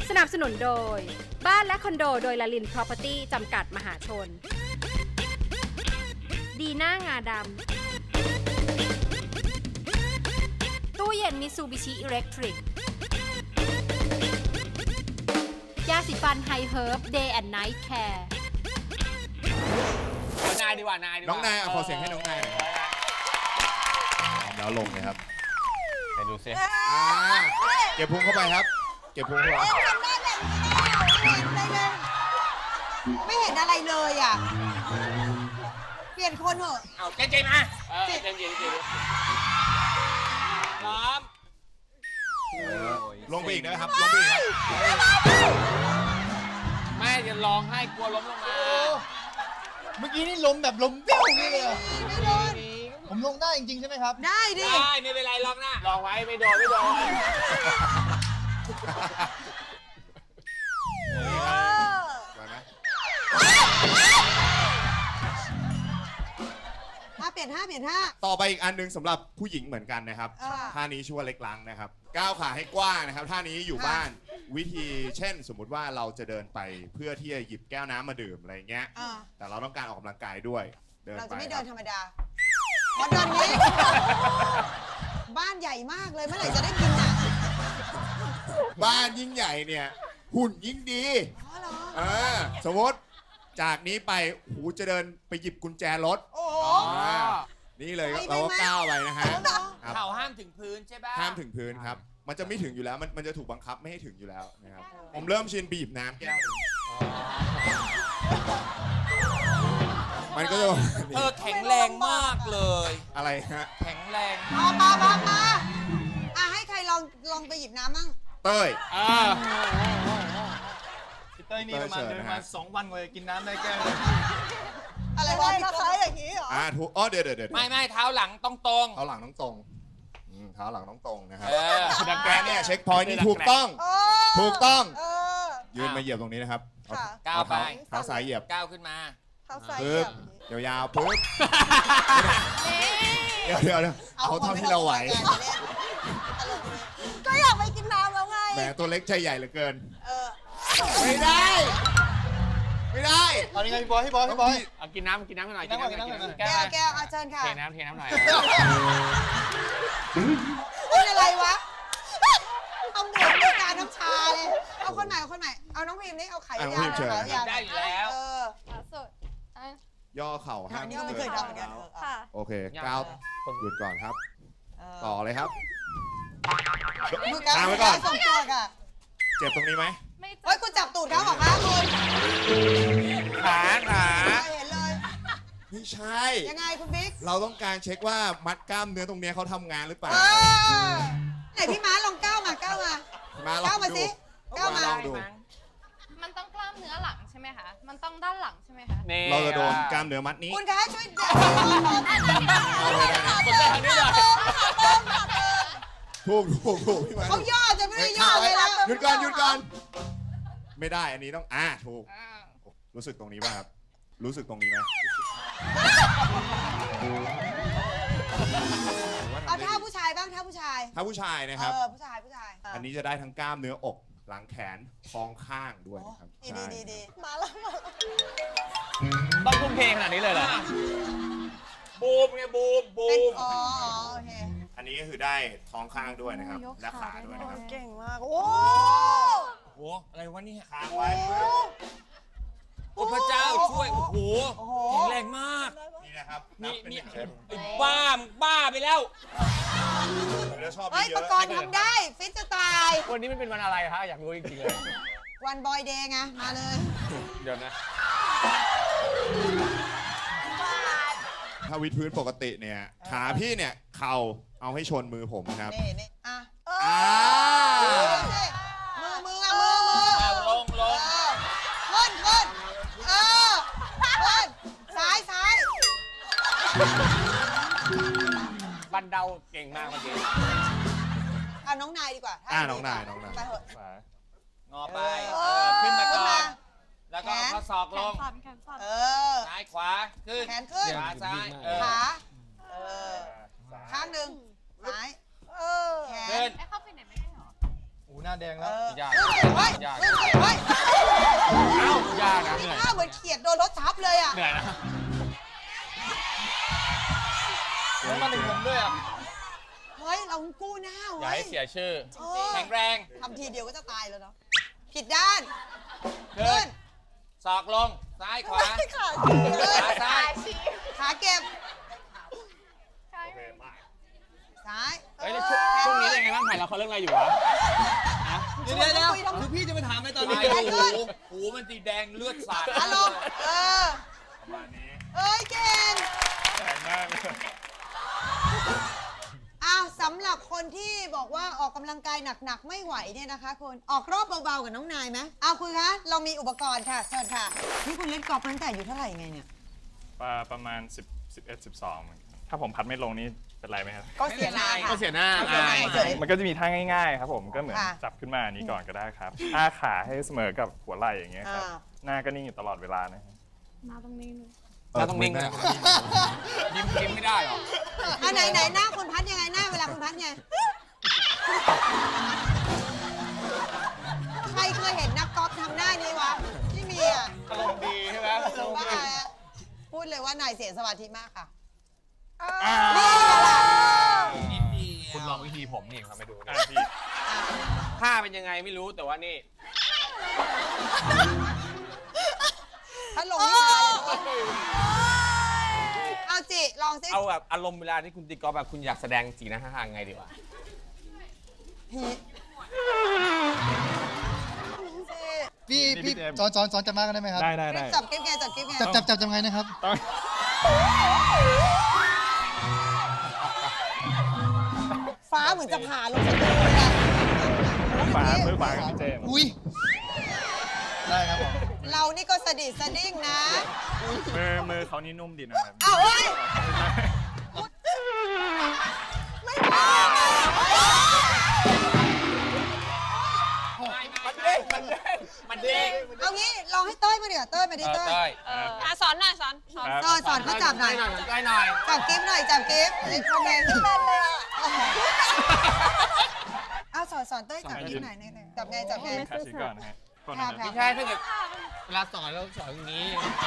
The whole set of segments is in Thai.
สนับสนุนโดยบ้านและคอนโดโดยลลิน Property จำกัดมหาชน ดีน่างาดำตู้เย็นมิซูบิชิอิเล็กทริกยาสีฟันไฮเฮิร์บ Day and Night Care นายดีกว่านายดีกว่าน้องนายขอเสียงให้น้องนายหน่อยแล้วลงเลยครับไปดูซิเก็บพุงเข้าไปครับ เก็บพุงเข้าไปทำได้แบบนี้เลยไม่เห็นอะไรเลยอ่ะ เปลี่ยนคนเถอะเอาเจนมาเจนพร้อมลงไปอีกนะครับ ลงไปอีกครับแม่จะร้องให้กลัวล้มลงมาเมื่อกี้นี่ล้มแบบล้มเบี้ยวอย่างนี้เลยอะไม่โดนผมลงได้จริงๆใช่ไหมครับได้ดิได้ไม่เป็นไรลองหน้าลองไว้ไม่โดนไม่โดนไหวไหมเปลี่ยนท่าเปลี่ยนท่าต่อไปอีกอันหนึงสำหรับผู้หญิงเหมือนกันนะครับค่ะท่านี้ชื่อว่าเล็กลังนะครับ ก้าวขาให้กว้างนะครับ ท่านี้อยู่บ้าน วิธีเช่น สมมุติว่าเราจะเดินไปเพื่อที่จะหยิบแก้วน้ำมาดื่มอะไรเงี้ยอ่าแต่เราต้องการออกกำลังกายด้วย เดินเราไปจะไม่คเดิรับนธรรมดาวัดดอนนี้ บ้านใหญ่มากเลยเมื่อไหร่จะได้กินอ่ะบ้านยิ่งใหญ่เนี่ย หุ่นยิ่งดีอ๋อเหรอสมมติจากนี้ไปหูจะเดินไปหยิบกุญแจรถโอ้โหอ่านี่เลยเราก็ก้าวไปนะฮะครับเข่าห้ามถึงพื้นใช่ป่ะห้ามถึงพื้นครับ มันจะไม่ถึงอยู่แล้ว มันจะถูกบังคับไม่ให้ถึงอยู่แล้วนะครับ ผมเริ่มชินบีบน้ำแก้วหนึ่งมันก็จะประมาณนี้แข็งแรงมากเลยอะไรฮะแข็งแรงมาให้ใครลองไปหยิบน้ำมั่งเต้ยพี่เต้ยนี่ประมาณเต้ยเชิญเดินนะมาฮะ 2 วันกว่าจะกินน้ำได้แก้วเลยอะไรวะพี่ต้นอย่างนี้เหรอถูกเดี๋ยวไม่เท้าหลังต้องตรงเท้าหลังต้องตรงเท้าหลังต้องตรงนะครับดังแกเนี่ยเช็คพอยต์นี่ถูกต้อง ถูกต้อง ยืนมาเหยียบตรงนี้นะครับค่ะก้าวไปเท้าซ้ายเหยียบก้าวขึ้นมาเท้าซ้ายปึ๊บยาวๆปึ๊บเดี๋ยวเอาเท่าที่เราไหวก็อยากไปกินน้ำแล้วไงแหมตัวเล็กใจใหญ่เหลือเกินเออไม่ได้ ไม่ได้ตอนนี้ไงพี่บอยเอากินน้ำกันหน่อยกินน้ำหน่อยแก้วเอาเชิญค่ะเทน้ำหน่อยเป็นอะไรวะ เอาหมวกด้วยการน้ำชาเลย เอาคนใหม่ เอาน้องพิมพ์นี่เอาไข่ยาวได้อยู่แล้วสุดย่อเข่าห้ามอันนี้ก็ไม่เคยทำเหมือนกันค่ะโอเคก้าวหยุดก่อนครับ ต่อเลยครับดูการตามไว้ก่อนส่งตัวอ่ะเจ็บตรงนี้ไหมไม่เฮ้ยคุณจับตูดเขาเหรอคะคุณขาเห็นเลยไม่ใช่ยังไงคุณบิ๊กเราต้องการเช็คว่ามัดกล้ามเนื้อตรงเนี้ยเขาทำงานหรือเปล่าไหนพี่ม้าลองก้าวมามาลอก้าวงมาดูสิก้าวมาลองดูมันต้องกล้ามเนื้อหลังใช่ไหมคะ มันต้องด้านหลังใช่ไหมคะเราจะโดนกล้ามเนื้อมัดนี้คุณคะช่วยเอาเลยได้คนไปทางนี้เลยถูกพี่มาเขาย่อจะไม่ได้ย่อเลยนะหยุดก่อน ไม่ได้อันนี้ต้องถูก รู้สึกตรงนี้ป่ะครับ รู้สึกตรงนี้ไหมเอาท่าผู้ชายบ้างท่าผู้ชายถ้าผู้ชายนะครับผู้ชายอันนี้จะได้ทั้งกล้ามเนื้ออกหลังแขนท้องข้างด้วยนะครับดีมาแล้วต้องทุ่มเทขนาดนี้เลยเหรอบูมไงบูมเป็นอ๋อโอเคอันนี้ก็คือได้ท้องข้างด้วยนะครับ และขาด้วยนะครับเก่งมากโอ้โหอะไรวะเนี่ยค้างไว้โอ้พระเจ้าช่วยโอ้โหแข็งแรงมากนี่นะครับนับเป็นหนึ่งเซตไอ้บ้าไปแล้วแล้วชอบเฮ้ยเยประอะกรณ์ทำได้ฟิตจะตายวันนี้มันเป็นวันอะไรฮะอยากรู้จริงๆเลยวันบอยเดย์ไงมาเลยเดี๋ยวนะถ้าวิดพื้นปกติเนี่ยขาพี่เนี่ยเข่าเอาให้ชนมือผมนะครับนี่อ่ะอ่ามือเอาลงขึ้นซ้ายบันเดาเก่งมากเมื่อกี้เอาน้องนายดีกว่าน้องนายไปเถอะงอไปขึ้นมาก่อนแล้วก็เอาข้อศอกลงเออซ้ายขวาขึ้นแขนขึ้นขวาซ้ายขาข้างหนึ่งซ้ายแขขึ้นนเข้าไปไหนไม่ได้หรอหน้าแดงแล้วยากขึ้นเฮ้ยเฮ้ยเอ้ายากนะเหนื่อยหน้าเหมือนเขียดโดนรถทับเลยอ่ะเหนื่อยนะแล้วมาถึงผมด้วยอ่ะเฮ้ยเรากู้หน้าอย่าไว้ให้เสียชื่อเออแข็งแรงทำทีเดียวก็จะตายแล้วเนาะผิดด้านขึ้ขึ้นนศอกลง ซ้ายขวาไม่ขาขาซ้ายขาเก็บซ้ายเฮ้ยแล้วช่วงนี้เป็นไงบ้างถ่ายละครเรื่องอะไรอยู่วะฮะเดี๋ยวคือพี่จะไปถามในตอนนี้ตายแล้วหูมันสีแดงเลือดสาดขาลงประมาณนี้เอ้ยเก่งแข็งมากเลยอ้าวสำหรับคนที่บอกว่าออกกำลังกายหนักๆไม่ไหวเนี่ยนะคะคุณออกรอบเบาๆกับน้องนายไหมเอาคุณคะเรามีอุปกรณ์ค่ะเชิญค่ะนี่คุณเล่นกอล์ฟตั้งแต่อายู่เท่าไหร่ไงเนี่ยประมาณ11 12เหมือนกันถ้าผมพัดไม่ลงนี่เป็นไรไหมครับก็เสียหน้าค่ะก็เสียหน้าเสียหน้าเฉยมันก็จะมีท่าง่ายๆครับผมก็เหมือนค่ะจับขึ้นมาอันนี้ก่อนก็ได้ครับอ้าขาให้เสมอกับหัวไหล่อย่างเงี้ยครับอ่าหน้าก็นิ่งอยู่ตลอดเวลานะครับเราต้องนิ่งเลยยิ้มไม่ได้หรออันไหนหน้าคุณพัดยังไงหน้าเวลาคุณพัดไงใครเคยเห็นนักกอล์ฟทำหน้านี้วะที่มีอ่ะอารมณ์ดีใช่ไหมหรือว่าพูดเลยว่านายเสียสมาธิมากค่ะอ่านี่ไงล่ะคุณลองวิธีผมนี่ครับไปดูอ่านะพี่ท่าเป็นยังไงไม่รู้แต่ว่านี่ถ้าลงนี่มาเลยเอาจิลองสิเอาแบบอารมณ์เวลาที่คุณตีกอล์ฟแบบคุณอยากแสดงสีหน้าท่าทางไงดีวะพี่สอนจับมากันได้ไหมครับได้จับกิ๊บไงจับกิ๊บไงจับยังไงนะครับต้องฟ้าเหมือนจะผ่าลงสะดือเลยอะมือขวากับพี่เจมส์อุ้ยได้ครับผมเรานี่ก็สะดิดสะดิ้งนะมือเขานี่นุ่มดีนะครับเอาเฮ้ยไม่พอมันเด้งเอางี้ลองให้เต้ยมาเดี๋ยวาเต้ยมาดิเต้ยเต้ยสอนหน่อยสอนสอนเขาจับหน่อยได้หน่อยจับกิ๊บหน่อยจับกิ๊บไอ้คอมเมนต์ที่เล่นเลยอ่ะเอาสอนเต้ยจับกิ๊บหน่อยนี่เลยจับไงจับไงขาชี้ก่อนนะฮะก่อนครันะบครับไม่ใช่ถ้าเกิดเวลาสอนเราสอนอย่างนี้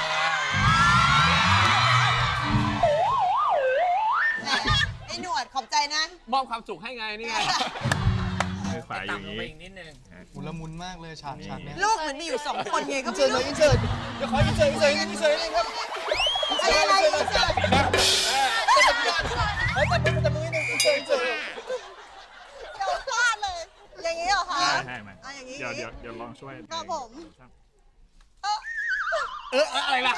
แหมไอ้หนวดขอบใจนะมอบความสุขให้ไงนี่ไงมือขวาอยู่อย่างต่ำลงนี้ไปอีกนิดนึงมุนละมุนมากเลยฉากเนี้ยลูกเหมือนมีอยู่2 คนไงก็อินไม่เสิร์ตรู้เลยอินเสิร์ตเดี๋ยวขออินเสิร์ตเลยครับอะไรอินเสิร์ตแต่มือหนึ่งอินเสิร์ตเดี๋ยวพลาดเลย อย่างนี้เหรอคะใช่ไหมอย่างนี้เดี๋ยวลองช่วยครับผมอะไรล่ะ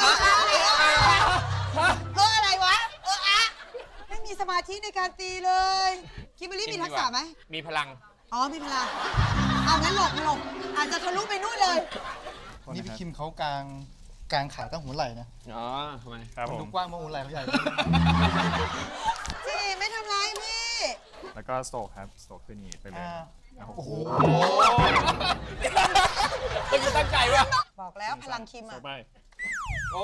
อะไรวะอะไม่มีสมาธิในการตีเลยคิมเบอรรี่มีทักษะไหมมีพลังอ๋อมีพลังเอางั้นหลบอาจจะทะลุไปนู่นเลยนี่พี่คิมเขากลางขาตั้งหัวไหล่นะอ๋อทำไมครับมันผดูมกว้างมากหัวไหล่เขาใหญ่จีไม่ทำร้ายพี่แล้วก็สโตรกครับสโตรกขึ้นอย่างนี้ไปเลยนะครับโอ้โหคุณตั้งใจวะบอกแล้วพลังคิมต่อ่ะอไปโอ้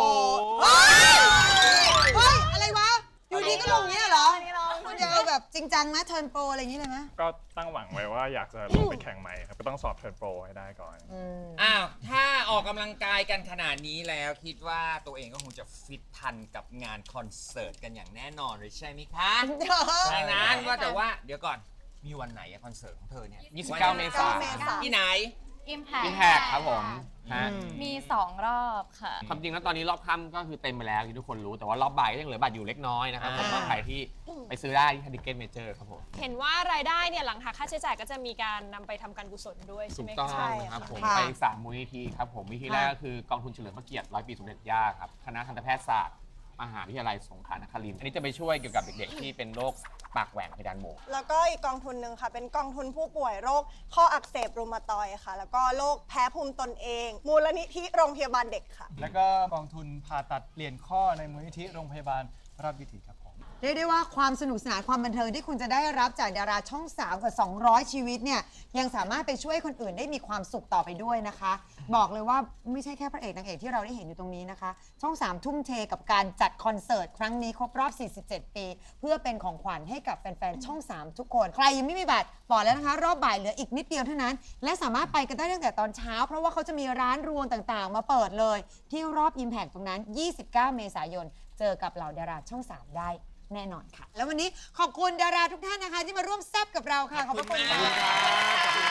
เฮ้ยอะไรวะอยู่ดีก็ลงเงี้ยเหรอคุณจะเอาแบบจริงจังนะเทิร์นโปรอะไรอย่างนี้เลยไหมก็ตั้งหวังไว้ว่าอยากจะลงไปแข่งใหม่ครับก็ต้องสอบเทิร์นโปรให้ได้ก่อนอ้าว ถ้าออกกำลังกายกันขนาดนี้แล้วคิดว่าตัวเองก็คงจะฟิตทันกับงานคอนเสิร์ตกันอย่างแน่นอนเลยใช่ไหมคะ ดังนั้นว่าแต่ว่าเดี๋ยวก่อน มีวันไหนอะคอนเสิร์ตของเธอเนี่ย 29 เมษายนที่ไหน Impact พิมแพกครับผมฮะมี 2 รอบค่ะความจริงแล้วตอนนี้รอบค่ำก็คือเต็มไปแล้วที่ทุกคนรู้แต่ว่ารอบบ่ายก็ยังเหลือบัตรอยู่เล็กน้อยนะครับผมก็ใครที่ไปซื้อได้ที่ทิเก็ตเมเจอร์ครับผมเห็นว่ารายได้เนี่ยหลังหักค่าใช้จ่ายก็จะมีการนำไปทำการกุศลด้วยใช่ถูไหมกต้องคะครับผมค่ะไป3มูลนิธิครับผมวิธีแรกก็คือกองทุนเฉลิมพระเกียรติ100 ปีสมเด็จย่าครับคณะทันตแพทยศาสตร์มหาวิทยาลัยสงขลานครินทร์อันนี้จะไปช่วยเกี่ยวกับเด็กๆที่เป็นโรคปากแหว่งเพดานโหวแล้วก็อีกกองทุนหนึ่งค่ะ เป็นกองทุนผู้ป่วยโรคข้ออักเสบรูมาตอยด์ค่ะ แล้วก็โรคแพ้ภูมิตนเอง มูลนิธิโรงพยาบาลเด็กค่ะแล้วก็กองทุนผ่าตัดเปลี่ยนข้อในมูลนิธิโรงพยาบาลราชวิถีครับผมเรียกได้ว่าความสนุกสนานความบันเทิงที่คุณจะได้รับจากดาราช่อง 3 กว่า 200 ชีวิตเนี่ยยังสามารถไปช่วยคนอื่นได้มีความสุขต่อไปด้วยนะคะ บอกเลยว่าไม่ใช่แค่พระเอกนางเอกที่เราได้เห็นอยู่ตรงนี้นะคะ ช่อง 3 ทุ่มเทกับการจัดคอนเสิร์ตครั้งนี้ครบรอบ 47 ปี เพื่อเป็นของขวัญให้กับแฟนๆ ช่อง 3 ทุกคน ใครยังไม่มีบัตรบอกแล้วนะคะ รอบบ่ายเหลืออีกนิดเดียวเท่านั้น และสามารถไปกันได้ตั้งแต่ตอนเช้า เพราะว่าเขาจะมีร้านรวงต่างๆ มาเปิดเลย ที่รอบ Impact ตรงนั้น 29 เมษายน เจอกับเหล่าดาราช่อง 3 ได้แน่นอนค่ะ แล้ววันนี้ขอบคุณดาราทุกท่านนะคะ ที่มาร่วมแซ่บกับเราค่ะ ขอบพระคุณค่ะ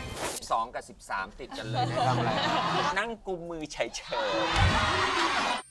12 กับ 13 ติดกันเลยนะทำอะไรนั่งกุมมือเฉยๆ